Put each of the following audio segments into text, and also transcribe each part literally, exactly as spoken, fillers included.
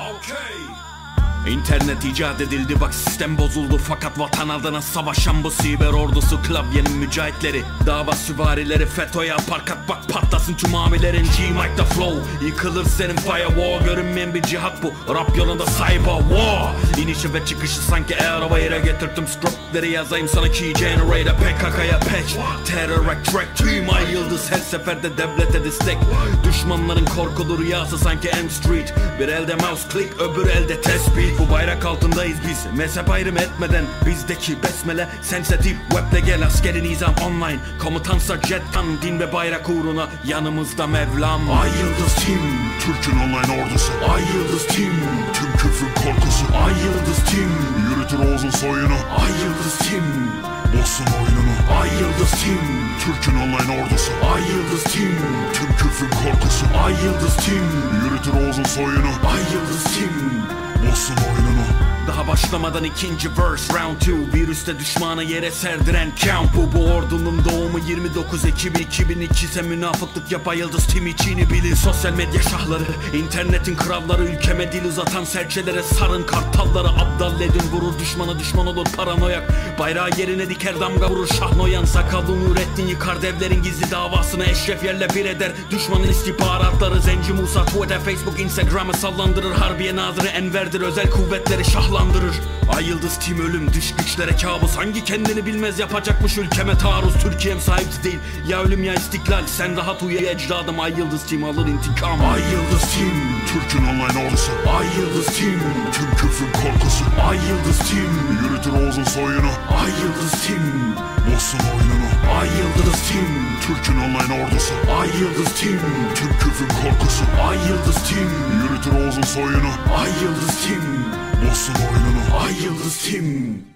İnternet icat edildi, bak sistem bozuldu. Fakat vatan adına savaşan bu siber ordusu, klavyenin mücahitleri, dava süvarileri, FETÖ'ye parkat bak patlasın tüm amilerin. G-Mike'da flow, yıkılır senin firewall. Görünmeyen bir cihat bu, rap yolunda cyber war. İnişi ve çıkışı sanki araba yere getirdim. Stroke'leri yazayım sana key generator. P K K'ya patch, terror track. Tüm ay yıldız her seferde devlete destek. Düşmanların korkulu rüyası sanki M Street. Bir elde mouse click, öbür elde tespih. Bu bayrak altındayız biz, mezhep ayrım etmeden. Bizdeki besmele sensitif, weble gel askeri nizam online. Komutansa jettan, din ve bayrak uğruna yanımızda Mevlam. Ay Yıldız Team, Türk'ün online ordusu. Ay Yıldız Team, tüm küfrün korkusu. Ay Yıldız Team, yürütür Oğuz'un soyunu. Ay Yıldız Team, bozsun oyununu. Ay Yıldız Team, Türk'ün online ordusu. Ay Yıldız Team, tüm küfrün korkusu. Ay Yıldız Team, yürütür Oğuz'un soyunu. Ay Yıldız Team, bozsun oyununu. Daha başlamadan ikinci verse round two. Virüste düşmanı yere serdiren count bu. Bu ordunun doğumu yirmi dokuz Ekim iki bin iki ise münafıklık yapa Yıldız Team içini bilin. Sosyal medya şahları, internetin kralları, ülkeme dil uzatan serçelere sarın kartalları. Abdal edin vurur düşmana, düşman olur paranoyak. Bayrağı yerine diker damga vurur Şahnoyan. Sakallı Nurettin yıkar devlerin gizli davasını. Eşref yerle bir eder düşmanın istihbaratları. Zenci Musa Twitter, Facebook, Instagram'ı sallandırır. Harbiye Nazırı Enver'dir, özel kuvvetleri şahlandırır. Ay Yıldız Team ölüm, dış güçlere kabus. Hangi kendini bilmez yapacakmış ülkeme taarruz. Türkiye'm sahipsiz değil, ya ölüm ya istiklal. Sen rahat uyu ecdadım, Ay Yıldız Team alır intikam. Ay Yıldız Team, Türk'ün online ordusu. Ay Yıldız Team, tüm küfrün korkusu. Ay Yıldız Team, yürütür Oğuz'un soyunu. Ay Yıldız Team, bozsun oyununu. Ay Yıldız Team, Türk'ün online ordusu. Ay Yıldız Team, tüm küfrün korkusu. Ay Yıldız Team, yürütür Oğuz'un soyunu. Ay Yıldız Team, bozsun oyununu. Ay Yıldız Team.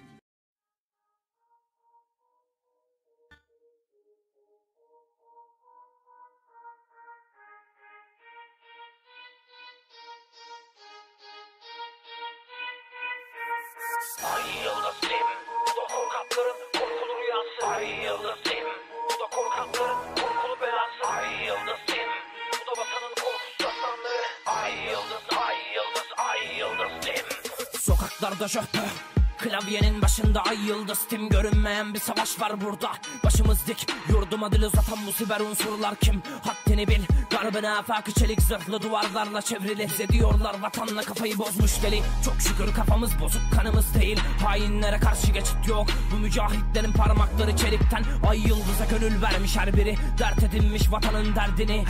Ay Yıldız Team, bu da korkakların korkulu rüyası. Ay Yıldız Team, bu da korkakların korkulu belası. Ay Yıldız Team, bu da vatanın korkusuz aslanları. Ay Yıldız, Ay Yıldız, Ay Yıldız Team. Sokaklarda jöhbö, klavyenin başında Ay Yıldız Team. Görünmeyen bir savaş var burada, başımız dik. Yurduma dil uzatan bu siber unsurlar kim? Haddini bil, garbına afakı çelik zırhlı duvarlarla çevrili. Bize diyorlar vatanla kafayı bozmuş deli. Çok şükür kafamız bozuk, kanımız değil. Hainlere karşı geçit yok. Bu mücahitlerin parmakları çelikten. Ay Yıldız'a gönül vermiş her biri, dert edinmiş vatanın derdini.